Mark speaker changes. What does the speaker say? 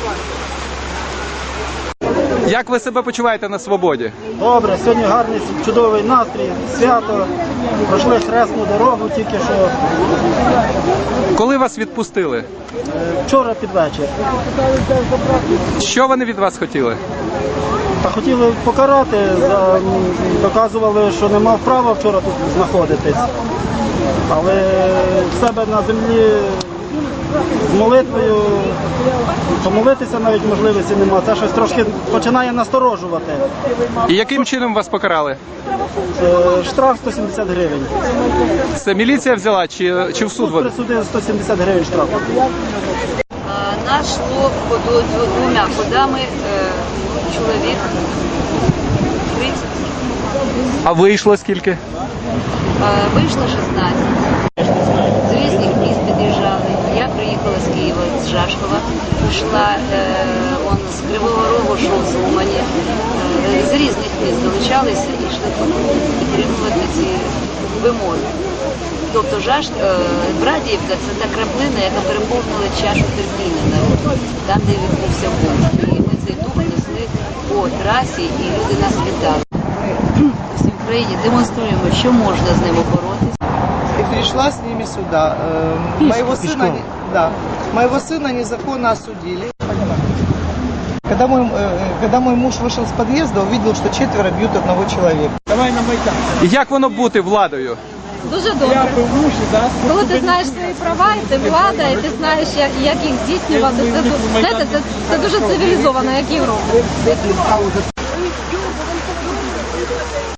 Speaker 1: Як ви себе почуваєте на свободі?
Speaker 2: Добре, сьогодні гарний, чудовий настрій, свято. Пройшли хресну дорогу тільки що.
Speaker 1: Коли вас відпустили?
Speaker 2: Вчора під вечір.
Speaker 1: Що вони від вас хотіли?
Speaker 2: Та хотіли покарати, доказували, що не мав права вчора тут знаходитись. Але в себе на землі з молитвою, помолитися навіть можливості немає. Це щось трошки починає насторожувати.
Speaker 1: І яким чином вас покарали?
Speaker 2: Штраф 170 гривень.
Speaker 1: Це міліція взяла чи в суд?
Speaker 2: Суд присудив 170 гривень штрафу.
Speaker 3: Нас шло двумя ходами чоловік 30. А
Speaker 1: вийшло скільки?
Speaker 3: Вийшло 16. З різних міст під'їжджали. Я приїхала з Києва, з Жашкова. Пішла, з Кривого Рогу, йшов з Умані. З різних міст долучалися і йшли підтримувати ці вимоги. Тобто Брадіївка – це та краплина, яка переповнила чашу терпіння народу, там, де відбувся бунт. І ми цей дух несли по трасі, і люди нас вітали. Всій Україні демонструємо, що можна з ними боротися.
Speaker 4: И пришла с ними сюда. Моего сына незаконно осудили. Когда мой муж вышел с подъезда, увидел, что 4 бьют одного человека. Давай на Майдан.
Speaker 1: І як воно бути владою?
Speaker 5: Дуже добре. Коли ти знаєш свої права, і ти влада, і ти знаєш, як їх здійснювати, це дуже цивілізовано, як Європа.